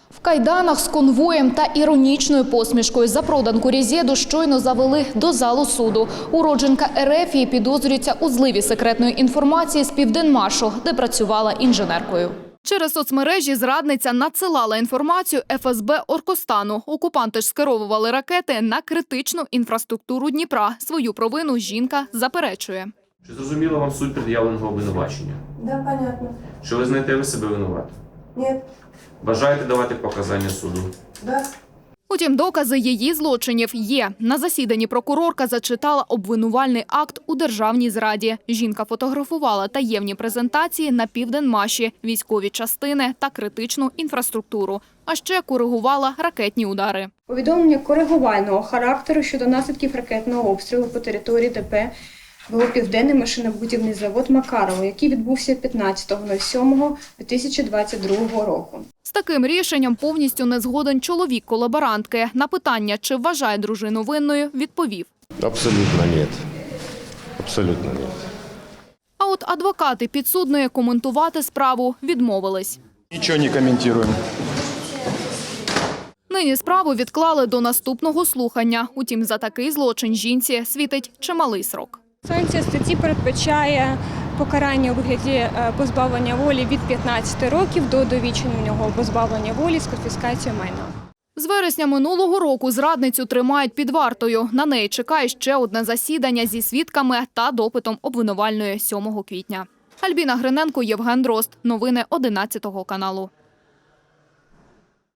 В кайданах з конвоєм та іронічною посмішкою запроданку Резєду щойно завели до залу суду. Уродженка Ерефії підозрюється у зливі секретної інформації з Південмашу, де працювала інженеркою. Через соцмережі зрадниця надсилала інформацію ФСБ Оркостану. Окупанти ж скеровували ракети на критичну інфраструктуру Дніпра. Свою провину жінка заперечує. Чи зрозуміла вам суть пред'явленого обвинувачення? Да, понятно. Чи ви знаєте ви себе винуватим? Нет. Бажаєте давати показання суду? Да. Утім, докази її злочинів є. На засіданні прокурорка зачитала обвинувальний акт у державній зраді. Жінка фотографувала таємні презентації на Південмаші, військові частини та критичну інфраструктуру. А ще коригувала ракетні удари. Повідомлення коригувального характеру щодо наслідків ракетного обстрілу по території ДП ВО «Південний машинобудівний завод Макарово», який відбувся 15.07.2022 року. З таким рішенням повністю не згоден чоловік колаборантки. На питання, чи вважає дружину винною, відповів. Абсолютно нет. Абсолютно нет. А от адвокати підсудної коментувати справу відмовились. Ничего не комментируем. Нині справу відклали до наступного слухання. Утім, за такий злочин жінці світить чималий срок. Санкція статті передбачає покарання у вигляді позбавлення волі від 15 років до довічного позбавлення волі з конфіскацією майна. З вересня минулого року зрадницю тримають під вартою. На неї чекає ще одне засідання зі свідками та допитом обвинувальної 7 квітня. Альбіна Гриненко, Євген Дрозд. Новини 11 каналу.